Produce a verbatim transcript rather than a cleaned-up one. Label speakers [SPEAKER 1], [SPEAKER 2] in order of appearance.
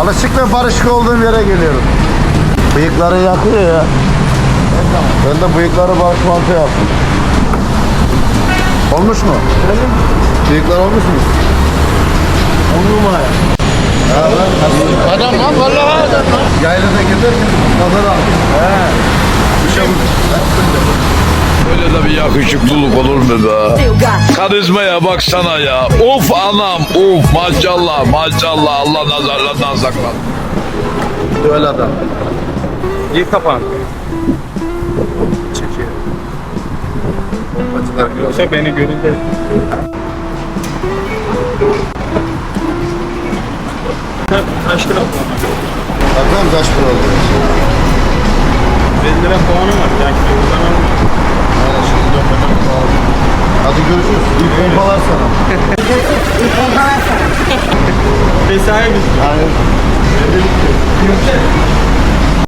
[SPEAKER 1] Alışık ve barışık olduğum yere geliyorum. Bıyıkları yakıyor ya. Ben de bıyıkları barış mantığı yaptım. Olmuş mu? Bıyıklar olmuş mu? On numara. Adam lan vallahi adam lan. Yaylada giderken kadar al. He.
[SPEAKER 2] Böyle de bir yakışıklılık olur mu be? Karizmaya baksana ya. Of anam, of maşallah, maşallah. Allah nazarlardan saklasın.
[SPEAKER 1] Öyle adam.
[SPEAKER 3] İyi kapan.
[SPEAKER 1] Çekiyor. Bombacılar gibi.
[SPEAKER 3] Yoksa beni görünce. Kaç lira?
[SPEAKER 1] Bakalım kaç para oldu?
[SPEAKER 3] elli lira puanı var. Yani buradan
[SPEAKER 1] Aynen şimdi dönmeden pahalı. Hadi görüşürüz. İyi pompalar sana.
[SPEAKER 4] İyi pompalar sana.
[SPEAKER 3] mesai bitti.
[SPEAKER 1] Yani.
[SPEAKER 3] Yürüyecek.